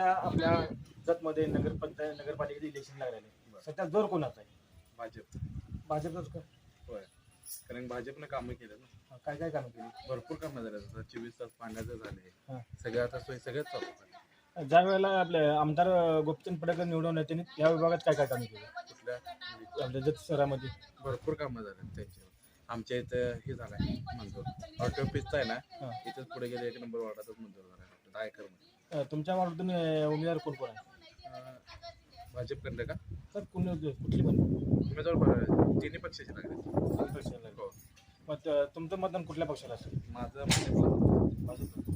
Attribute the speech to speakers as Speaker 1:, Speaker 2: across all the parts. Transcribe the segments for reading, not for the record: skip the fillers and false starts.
Speaker 1: सध्या आपल्या जतमध्ये नगरपालिकेचे इलेक्शन लागलेले, सध्या जोर कोणाचा आहे?
Speaker 2: भाजप.
Speaker 1: भाजपच का?
Speaker 2: होय, कारण भाजपने कामं केलं ना,
Speaker 1: काय काय कामं केली?
Speaker 2: भरपूर कामं झाले. आता 24 तास पाण्याचं झाले,
Speaker 1: हां.
Speaker 2: सगळे आता सोयी सगळ्याच चालू झाले.
Speaker 1: ज्या वेळेला आपले आमदार गोपीचंद पडळकर निवडून येते, या विभागात काय काय कामं केली
Speaker 2: कुठल्या
Speaker 1: आपल्या जत शहरामध्ये?
Speaker 2: भरपूर कामं झाले त्यांच्यावर. आमच्या इथं हे झालंय मंजूर, ऑटो ऑफिसचा आहे ना,
Speaker 1: हां.
Speaker 2: इथंच पुढे गेले 1 नंबर वार्डातच मंजूर झाला 10 एकरमध्ये.
Speaker 1: तुमच्या वार्डातून उमेदवार कोण कोण आहे?
Speaker 2: भाजपकडलं का
Speaker 1: तर कुठली पण
Speaker 2: उमेदवार तिन्ही पक्षाचे लागले.
Speaker 1: पक्षाला?
Speaker 2: हो,
Speaker 1: मग तुमचं मतदान कुठल्या पक्षाला असेल?
Speaker 2: माझं भाजपला.
Speaker 1: भाजप.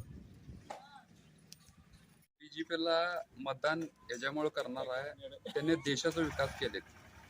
Speaker 3: बीजेपीला मतदान याच्यामुळे करणार आहे, त्याने देशाचा विकास केले.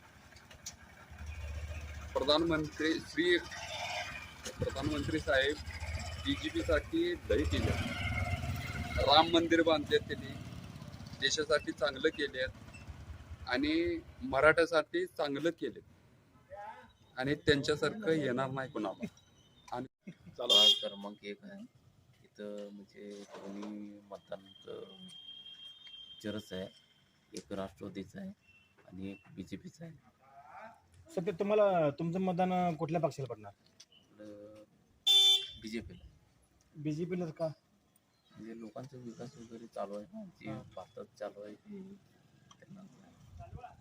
Speaker 3: प्रधानमंत्री साहेब बीजेपीसाठी लई केले. राम मंदिर बांधले, त्यांनी देशासाठी चांगलं केले आणि मराठ्यासाठी चांगलं केले आणि त्यांच्यासारखं येणार नाही कोणाला. आणि
Speaker 4: वार्ड क्रमांक 1 आहे. इथं म्हणजे दोन्ही मतदानाचं चरस आहे. एक राष्ट्रवादीचं आहे आणि एक BJPचं आहे.
Speaker 1: सध्या तुम्हाला तुमचं मतदान कुठल्या पक्षाला पडणार?
Speaker 4: BJPला.
Speaker 1: BJPला का?
Speaker 4: म्हणजे लोकांचा विकास वगैरे चालू आहे ना, जे भारतात चालू आहे ते त्यांना